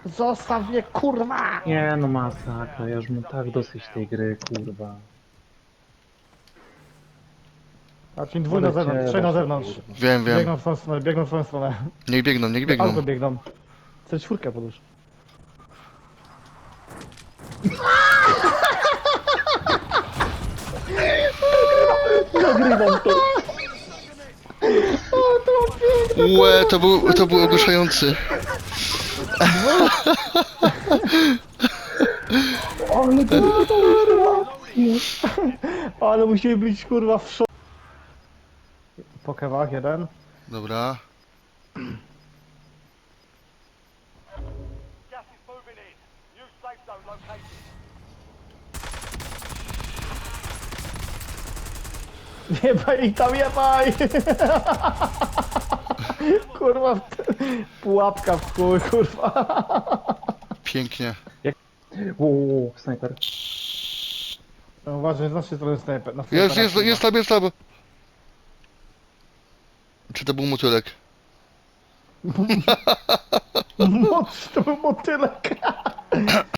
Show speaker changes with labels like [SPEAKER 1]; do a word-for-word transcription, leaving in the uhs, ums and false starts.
[SPEAKER 1] Zostaw mnie, kurwa!
[SPEAKER 2] Nie no masakra, ja już mam tak dosyć tej gry, kurwa.
[SPEAKER 1] Znaczy dwóch na zewnątrz, trzech na zewnątrz.
[SPEAKER 3] Wiem, wiem.
[SPEAKER 1] Biegną w swoją stronę, biegną w swoją stronę.
[SPEAKER 3] Niech biegną, niech
[SPEAKER 1] Do auto
[SPEAKER 3] biegną.
[SPEAKER 1] biegną. Chcę czwórkę podróż. Nagrywam to.
[SPEAKER 3] Łe, to był, to był ogłuszający.
[SPEAKER 1] Ale kurwa! Ale musimy być kurwa w szok. Po kewach jeden.
[SPEAKER 3] Dobra.
[SPEAKER 4] Gas is moving in. New safe zone located.
[SPEAKER 1] Jebaj ich tam, jebaj! Kurwa, w te- pułapka w chuj, kurwa.
[SPEAKER 3] Pięknie.
[SPEAKER 2] Uuu, snajper.
[SPEAKER 1] No, uważaj, z naszej strony snajper. Na
[SPEAKER 3] Jest,
[SPEAKER 1] snajpera,
[SPEAKER 3] jest,
[SPEAKER 1] kurwa.
[SPEAKER 3] jest tam, jest tam. Czy to był motylek?
[SPEAKER 1] Moc, to był motylek.